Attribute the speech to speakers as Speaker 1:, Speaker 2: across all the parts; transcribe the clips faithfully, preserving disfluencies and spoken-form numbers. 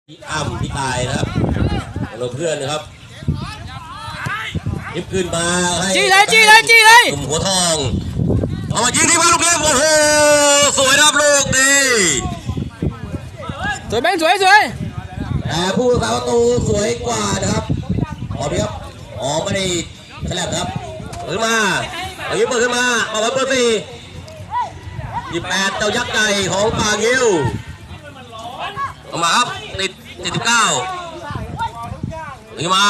Speaker 1: พี่อ้ำพี่ตายนะครับเราเพื่อนนะครับยิบขึ้นมาให้
Speaker 2: จี้เลยจี้เลยจี้เลย
Speaker 1: กลุ่มหัวทองเอามายิงที่บ้านลูกเลี้ยงโอ้โหสวยนะครับลูกดี
Speaker 2: สวยแบงค์สวยสวย
Speaker 1: แต่ผู้สาประตูสวยกว่านะครับออกดีครับออกไม่ได้แฉลบครับเปิดมาเอายิงเปิดขึ้นมาเอาไว้เปิดสี่ยี่แปดเจ้ายักษ์ใหญ่ของปางยิวออกมาครับติดติดสิบเก้าขึ้นมา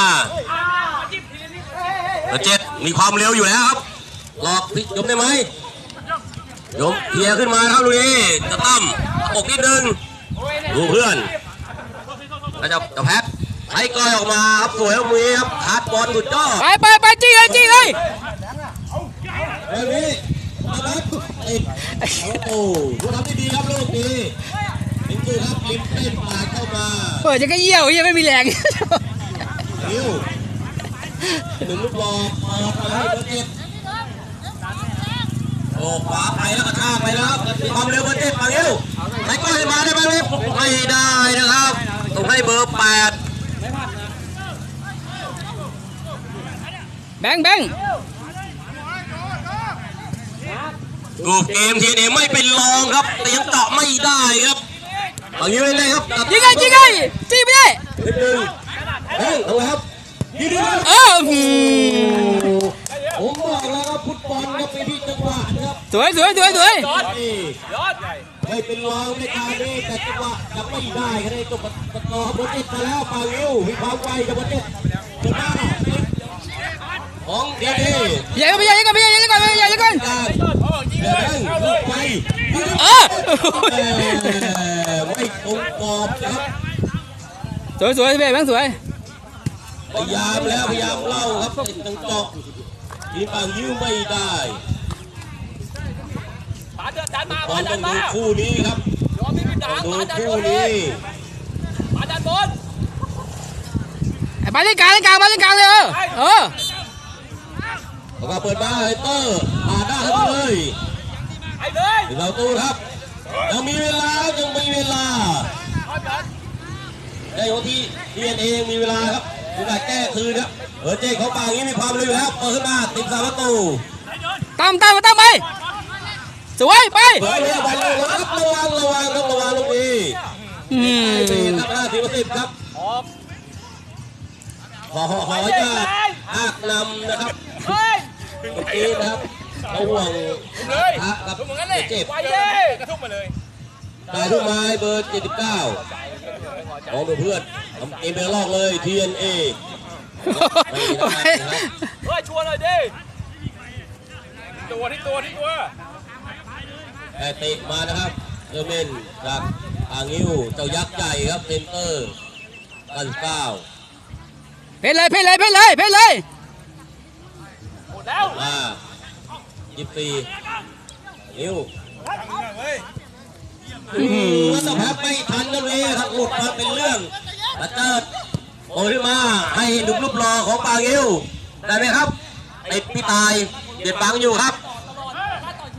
Speaker 1: เจ็ดมีความเร็วอยู่แล้วครับหลอกพิยมได้ไหมยมเทียขึ้นมาครับลุยจะตั้มอกนิดนึงดูเพื่อนแล้วจะจะแพ็คไอ้ก้อยออกมาครับสวยมือครับขาดบอลสุดยอด
Speaker 2: ไปไปไปจี้เลยจี้เลย
Speaker 1: แบบนี้นะครับติดโอ้ดูทำได้ดีครับลูกดีลิมดูครับลิมเต้นปาดเข้ามา
Speaker 2: เปิดจะก็เยี่ยวยังไม่มีแรง
Speaker 1: นิวหนึ่งลูกบอลเปิดไปให้เบอร์เจ็ดโอ้ขวาไปแล้วกระชากไปแล้วความเร็วเบอร์เจ็ดปานิวไอ้ก้อยมาได้ไหมลูกไม่ได้นะครับต้องให้เบอร์แปด
Speaker 2: แบงค์แบงค์
Speaker 1: รูปเกมทีนี้ไม่เป็นรองครับแต่ยังเจาะไม่ได้ครับเอายิงเลยครับ
Speaker 2: ยิงไงยิงไงจี้ไปได้
Speaker 1: นิดนึงเฮ้ยเอาครับยิงดีครับ
Speaker 2: เออ
Speaker 1: ผมบอกแล้วครับฟุตบอลครับเป็นที่จังหวะครับ
Speaker 2: สวยสวยสวยสวย
Speaker 1: ไม่เป็นรองในการนี้แต่จังหวะจะไม่ได้ก็ได้ตัวประตูบอลเจ็ดมาแล้วปาวิวมีความไวกับบอลเจ็ดเดินหน้าของเดียดี
Speaker 2: ใหญ่ก็ไม่ใหญ่ก็ไม่ใหญ่ก็ไม่ใหญ่ก็
Speaker 1: ไป
Speaker 2: เออ
Speaker 1: ไม่ตรงกรอบครับ
Speaker 2: สวยสวยแบงค์สวย
Speaker 1: พยายามแล้วพยายามเล่าครับติดตังเจาะทีมปางยิ้วไม่ได้บอลต้องดูคู่นี้ครับดูคู่นี้
Speaker 2: มาดันบอลไปเล่นกลางเล่นกลางมาเล่นกลางเลยเออเออ
Speaker 1: แล้วก็เปิดมาไฮเตอร์ผ่านได้เลยเราตู้ครับยังมีเวลายังมีเวลาได้ของที่เรียนเองมีเวลาครับมีการแก้คืนครับเออเจ๊เขาปางนี้มีความเร็วแล้วเปิดขึ้นมาติดสามประตู
Speaker 2: ตามตามมาตามไปสวยไป
Speaker 1: สวยเลยบอลเลยครับระวังระวังครับระวังลูกนี้อืมครับห้าสิบสิบครับขอขอขอจะหักนำนะครับเมื่อกี้นะครับเขาห่วงฮะกับเจ็บ
Speaker 3: กระทุ่มมาเลย
Speaker 1: ได้ทุ่มไม้เบอร์เจ็ดสิบเก้าของเพื่อนทำเกมเป็นลอกเลย ที เอ็น เอ
Speaker 3: เฮ้ยชวนเลยดิตัวที่ตัวที่ตัว
Speaker 1: แต่เตะมานะครับเออร์เมนจากอ่างนิ้วเจ้ายักษ์ใหญ่ครับเซนเตอร์กันเก้า
Speaker 2: เพลเลยเพลเลยเพลเลยเพลเลย
Speaker 3: หมดแล้ว
Speaker 1: มายี่สิบสี่นิ้วแล้วสภาพไม่ทันกันเลยครับหลุดมาเป็นเรื่องมาเติร์ดโอ้ยมาให้ดุบรูปรอของปางยิวได้ไหมครับไอพี่ตายเด็ดปังอยู่ครับ